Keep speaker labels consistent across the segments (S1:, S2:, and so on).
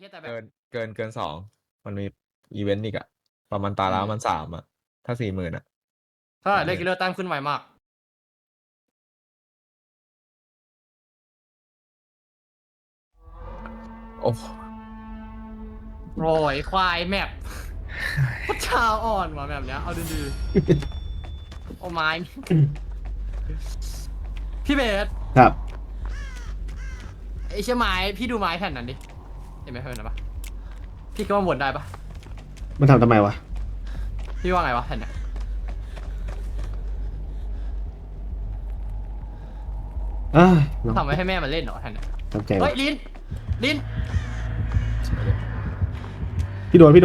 S1: ช่แต่แบบ
S2: เกิน2มันมีอีเวนต์อีกอะประมาณตาแล้วมัน3อะถ้า40,000อะ
S1: ถ้าได้กิลเลอร์แต้มขึ้นไวมาก
S2: โอ้
S1: โอ้ยควายแมปพัชาอ่อนว่ะแบบเนี้ยเอาดีๆโอ้ไม้พี่เบส
S3: ครับ
S1: ไอ้เชี่ยไม้พี่ดูไม้แผ่นนั้นดิเห็นไหมเห็นปะพี่ก็ว่าวนได้ปะ
S3: มันทำไมวะ
S1: พี่ว่าไงวะแผ่นเนี้ย
S3: อ้าวน้อง
S1: ทำไว้ให้แม่มันเล่นเหรอแผ่นเนี้ย
S3: ทำใจ
S1: เฮ้
S3: วะ
S1: ยลิ้นลิ้น
S3: พี่โดน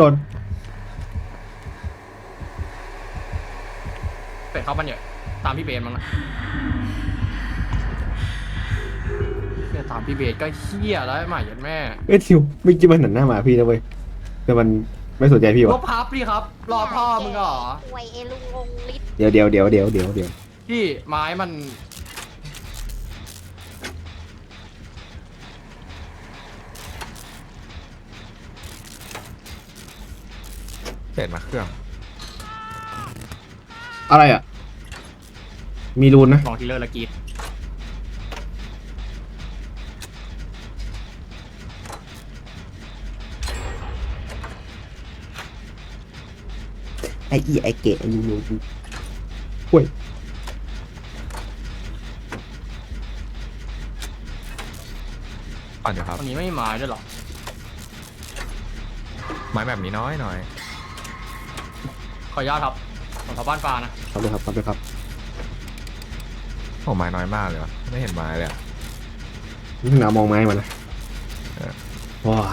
S1: เป็ดเข้ามันเยอะตามพี่เบสมั้งนะเนี่ยตามพี่เบสก็เฮี้ยแล้วหมาเหยันแม่
S3: เอ้ยทิวไม่คิดมันหันหน้ามาพี่นะเว้ยแต่มันไม่สนใจพี่
S1: ล
S3: วะ
S1: บพับดิครับรอพ่อมึงเหรอ
S4: อวยเอลุงงลิศ
S3: เดี๋ยว
S1: พี่ไม้มัน
S2: เปลี่ยนมาเครื่อง
S3: อะไรอ่ะ มีรูนนะ
S1: มองทีเลอร์ละกรีด
S3: ไอไอเกะยูยูห่วย
S2: ปั่นอยู่ครับ
S1: วันนี้ไม่มีไม้ด้วยเหรอ
S2: ไม้แบบนี้น้อยหน่อย
S1: ขออนุญาตครับของชาวบ้านฟ้านะ
S3: ครับเลยครับ
S2: โอ้ไม้น้อยมากเลยวะไม่เห็นไม้เลยอะ
S3: นี่หนาวมองไม้มานะว้า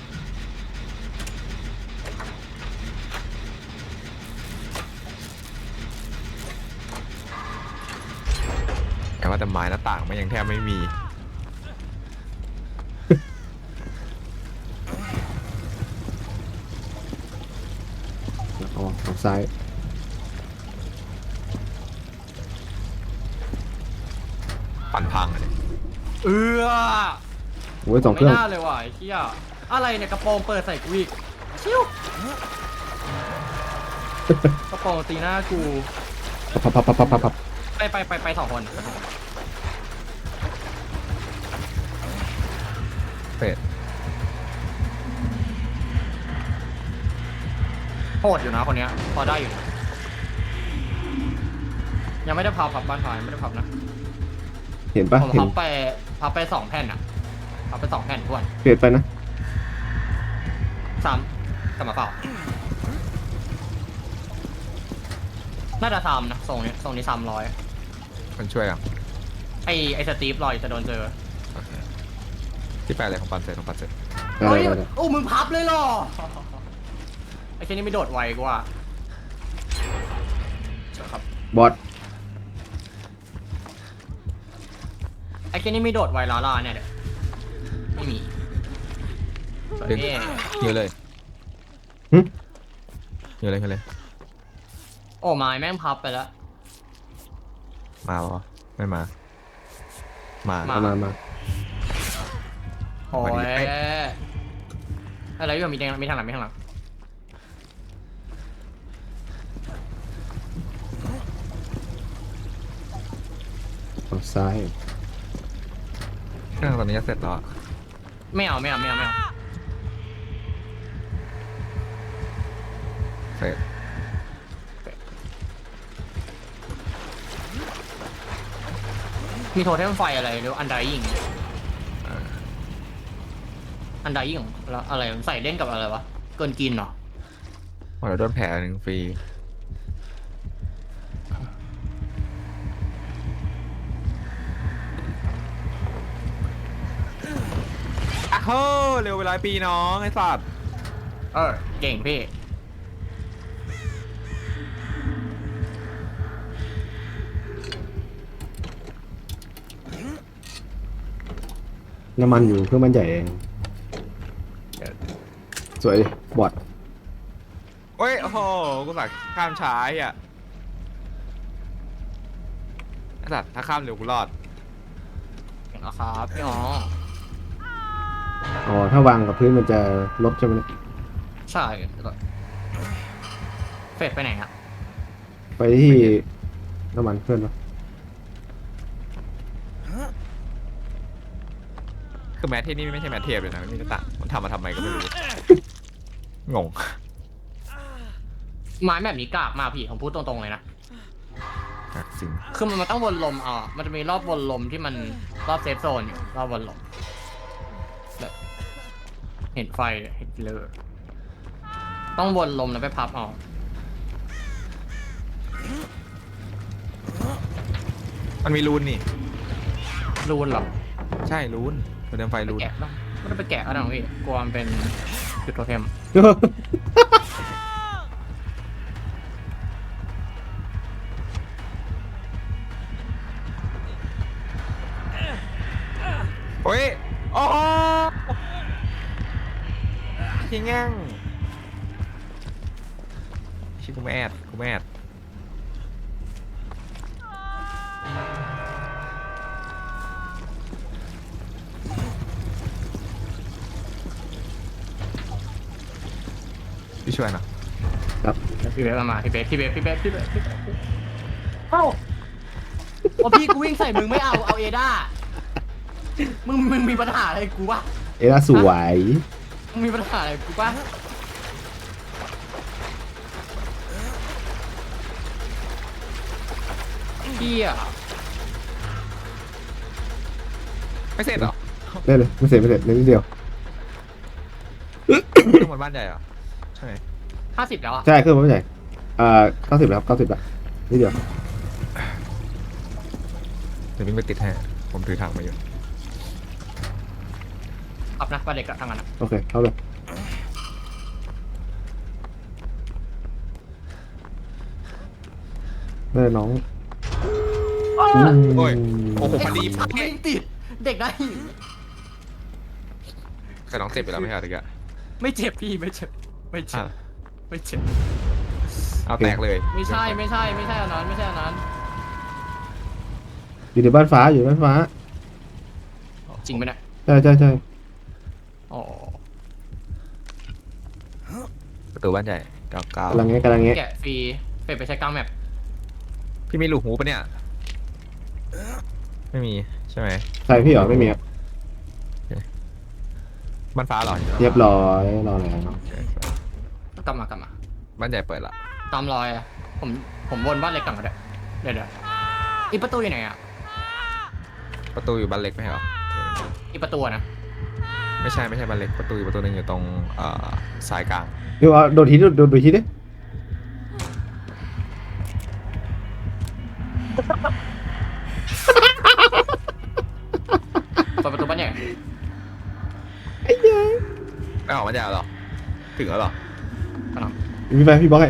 S2: แต่ว่าแต่ไม้หน้าต่างมันยังแทบไม่มี
S3: อ๋อทางซ้าย
S2: ปั่นพังเลย
S1: เออ
S3: โอ้ย2 เค
S1: ไม่
S3: รื่อง
S1: น่าเลยว่ะไอ้เหี้ยอะไรเนี่ยกระโปรงเปิดใส่กูอีกชิวกระโปรงตีหน้ากู
S3: พับ
S1: ไป2 คน
S2: เป็ด
S1: โหดอยู่นะคนเนี้ยพอได้อยู่นะยังไม่ได้พับบ้านฟ้ายังไม่ได้พับนะ
S3: เห็นปะ
S1: ผม
S3: เห็น
S1: พับไป2 แผ่นอ่ะพับไป2 แผ่นทวน
S3: เปลี่ยนไปนะ
S1: 3กลับมาเปล่าน่าจะ3นะทรงนี้300
S2: มันช่วยอ่ะ
S1: ไอสตีฟลอยจะโดนเจอ
S2: โอเคที่แปลอะไรของปั่นเสร็จของปั่นเสร็จ
S1: เฮ้ยโอ้มึงพับเลยเหรอไอ้แค่นี้ไม่โดดไวกว่าครับ
S3: บอส
S1: ไอ้แค่นี้ไม่โดดไวลาล่าเนี่ยเดี๋ยวไม่มี
S2: ดึง
S1: เอ๊ะ
S2: เยอะเลย
S3: หึ
S2: เยอะเลย
S1: โอ้ไม้แม่งพับไปแล้ว
S2: มาเหรอไม่มา มา
S3: มา
S1: โอ้ย
S2: มาดิเอ้ย
S1: อะไรอยู่มีทางหลังมีทางหลัง
S3: ทางซ้าย
S2: เครื่องตอนนี้จะเสร็จแล้วอะ
S1: ไม่เอา
S2: เสร็จ
S1: มีโทเทมไฟอะไรหรืออันไดยิงอันไดยิงแล้วอะไรใส่เล่นกับอะไรวะเกินกินเหรอ
S2: พอเราโดนแผลหนึ่งฟรีอะโหเร็วเวลาปีน้องไอ้สัตว์
S1: เก่งพี่
S3: น้ำมันอยู่เครื่องมันใหญ่เองสวยดิบอด
S2: เฮ้ย โอ้โห กูสักข้ามช้าอ่ะไอ้สัตว์ถ้าข้ามเร็วกูรอด
S1: เก่งเหรอครับพี่อ๋อ
S3: อ๋อถ้าวางกับพื้นมันจะลดใช่ไหมเนี่ย
S1: ใช่เฟดไปไหนอะ
S3: ไปที่น้ำมันเครื่องเนอะ
S2: คือแมทเทพนี่ไม่ใช่แมทเทพเลยนะมันมีหน้าต่างมันทำมาทำไมก็ไม่รู้ งง
S1: ไม้แบบนี้กากมากพี่ผมพูดตรงๆเลยนะ
S2: จริง
S1: คือมันต้องวนลมมันจะมีรอบวนลมที่มันรอบเซฟโซนอยู่รอบวนลมแบบเห็นไฟเห็นเลยต้องวนลมแล้วไปพับเอา
S2: มันมีรูนนี่
S1: รูนเหรอ
S2: ใช่รูนโทเทมไฟรูน
S1: แกะปะไม่ต้องไปแกะก็ได้หรอกพี่กลัวมันเป็นจุดโทเทม
S2: โอ้ยโอ้โหยิงแง่งชิกูไม่แอดกูไม่แอดพี่ช่วยนะ
S1: พี่เบสมาพี่เบสเอ้าพอพี่กูวิ่งใส่มึงไม่เอาเอด้ามึงมีปัญหาอะไรกูวะ
S3: เอล่าสวย
S1: มึงมีปัญหาอะไรกูปะพี่อะ
S2: ไม่เสร็จเหรอ
S3: ได้เลยไม่เสร็จนิดเดียว
S2: ต้องบนบ้านใหญ่เหรอใช่ไหม
S1: 50แล้วอะ
S3: ใช่เครื่องมันไม่ใหญ่90แล้วครับ90แล้วนิดเดียว
S2: เดี๋ยววิ่งไปติดให้ผมถือถังมาอยู่
S1: ขับนะประเด็กอะทางนั้นอะ
S3: โอเคเข้าเลยได้น้อง
S2: โอ้ยโอ้โหพอดี
S1: ไม่ติดเด็กได้
S2: แต่น้องเจ็บไปแล้วไม่ใช่เหรอตะกี้
S1: ไม่เจ็บพี่ไม่เจ็บ
S2: อ่ะ
S1: ไม่เจ็บ
S2: เอาแตกเลย
S1: ไม่ใช่อันนั้นไม่ใช่อันนั้น
S3: อยู่ในบ้านฟ้าอยู่ในบ้านฟ้า
S1: จริงไหมเนี่ย
S3: ใช่
S1: อ๋อ
S2: ประตูบ้านใหญ่เก้าเก้าก
S3: ำลังเงี้ย
S1: แกะฟรีเป็ดไปใช้กลางแมป
S2: พี่มีลูกหูปะเนี่ย ไม่มีใช่ไหม
S3: ใช่พี่เหรอไม่มีครับ
S2: บ้านฟ้าเหรอ
S3: เรียบร้อยรอแล้ว
S2: โอเค
S1: กลับมา
S2: บ้านใหญ่เปิดละ
S1: ตามรอยอะผมวนบ้านเล็กกลับมาด้วยเดี๋ยวอีประตูอยู่ไหนอะ
S2: ประตูอยู่บ้านเล็กไหมเหรอ
S1: อีประตูอะนะ
S2: ไม่ใช่บ้านเล็กประตูอยู่ประตูหนึงอยู่ตรงสายกลาง
S3: เดี๋ยวโดนทีดิ
S1: เปิดประตูบ้านใหญ่
S2: ไม่ออกบ้านใหญ่เหรอถึงแล้วเหรอ
S1: กำลัง
S3: พี่บล็อกให้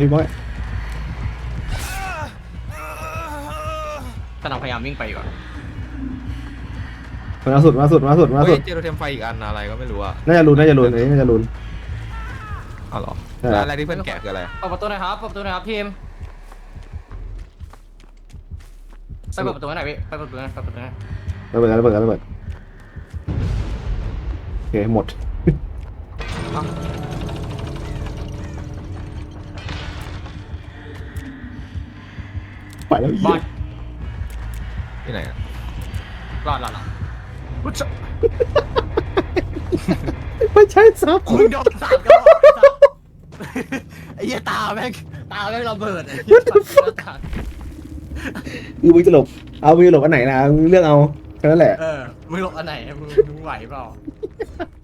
S1: พยายามวิ่งไปอยู่อะ
S3: มาสุด
S2: เฮ้ยเจอโทเทมไฟอีกอันอะไรก็ไม่รู้อะ
S3: น่าจะลุ้นอันนี้น่าจะลุ้น
S2: เอาเหรอ
S3: ใช่
S2: แล้วอะไรที่เพื่อนแกะคืออะไร
S1: เปิดประตูหน่อยครับทีมไปเปิดประตูให้หน่อยพี่ไปเปิดประตูหน่อย
S3: ระเบิดโอเคหมดไปแล้ว
S1: บอล
S2: ที่ไหนอะ
S1: รอดอุ๊ยจะ
S3: ไม่ใช่ซับ
S1: มึงโดนสามก็บอกไอ้เหี้ยตาแม่งระเบิดไอ้เหี้ยตา
S3: คือมึงจะหลบมึงจะหลบอันไหนนะมึงเลือกเอาแค่นั้นแหละ
S1: มึงหลบอันไหนมึงไหวเปล่า